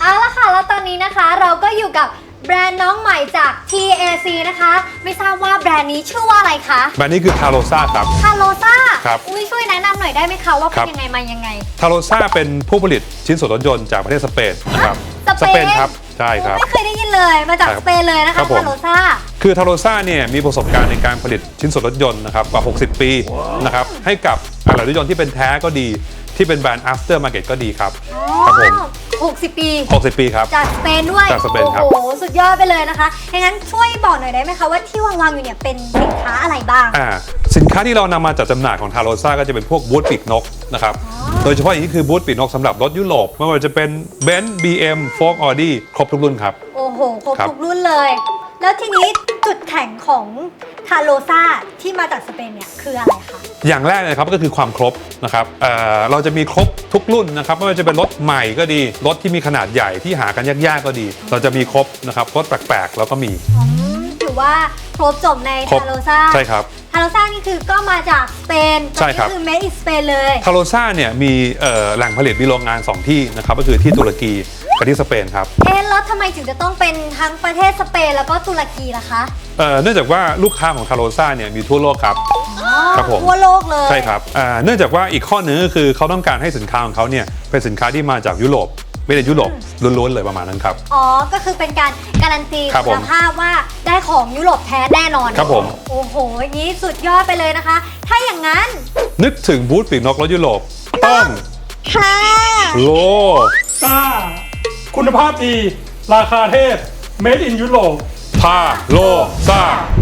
เอาละค่ะแล้วตอนนี้นะคะเราก็อยู่กับแบรนด์น้องใหม่จาก TAC นะคะไม่ทราบว่าแบรนด์นี้ชื่อว่าอะไรคะแบรนด์นี้คือทาโรซ่าครับทาโรซ่าครับช่วยแนะนำหน่อยได้ไหมคะว่าครัเป็นบยังไงมายังไงทาโรซ่าเป็นผู้ผลิตชิ้นส่วนรถยนต์จากประเทศสเปนนะครับสเปนครับใช่ครับไม่เคยได้ยินเลยมาจากครัสบเปนเลยนะครัคะบผมทาโรซ่าคือทาโรซ่าเนี่ยมีประสบการณ์ในการผลิตชิ้นส่วนรถยนต์นะครับกว่า 60 ปีนะครับให้กับอะไหล่รถยนต์ที่เป็นแท้ก็ดีที่เป็นแบรนด์ after market ก็ดีครับครับผม 60 ปี 60 ปีครับจากสเปนด้วยจากสเปนครับโอ้โหสุดยอดไปเลยนะคะงั้นช่วยบอกหน่อยได้ไหมคะว่าที่วางอยู่เนี่ยเป็นสินค้าอะไรบ้างสินค้าที่เรานำมาจัดจำหน่ายของทาโรซ่าก็จะเป็นพวกบูธปีกนกนะครับโดยเฉพาะอย่างนี้คือบูธปีกนกสำหรับรถยุโรปไม่ว่าจะเป็น Benz BM Ford Audi ครบทุกรุ่นครับโอ้โหครบครับทุกรุ่นเลย แล้วทีนี้จุดแข็งของทาโรซ่าที่มาจากสเปนเนี่ยคืออะไรคะอย่างแรกเลยครับก็คือความครบนะครับเราจะมีครบทุกรุ่นนะครับไม่ว่าจะเป็นรถใหม่ก็ดีรถที่มีขนาดใหญ่ที่หากันยากๆก็ดี เราจะมีครบนะครับรถแปลกๆเราก็มีถือว่าครบจบในครบทาโรซ่าใช่ครับทาโรซ่านี่คือก็มาจากสเปนใช่ครับก็คือ made in Spain เลยทาโรซ่าเนี่ยมีแหล่งผลิตมีโรงงาน 2 ที่นะครับก็คือที่ตุรกีกับที่สเปนครับแล้วทำไมถึงจะต้องเป็นทั้งประเทศสเปนแล้วก็ตุรกีล่ะคะเนื่องจากว่าลูกค้าของทาโรซ่าเนี่ยมีทั่วโลกครับ ครับผมทั่วโลกเลยใช่ครับเนื่องจากว่าอีกข้อหนึงก็คือเขาต้องการให้สินค้าของเขาเนี่ยเป็นสินค้าที่มาจากยุโรปไม่ได้ยุโรปล้วนๆเลยประมาณนั้นครับก็คือเป็นการการันตีครับผมคุณภาพว่าได้ของยุโรปแท้แน่นอนครับผมโอ้โหอย่างนี้สุดยอดไปเลยนะคะ ถ้าอย่างนั้นนึกถึงบูธปีกนกรถยุโรปต้องค่ะโลซ่าคุณภาพดี ราคาเทพ Made in Europe ทาโรซ่า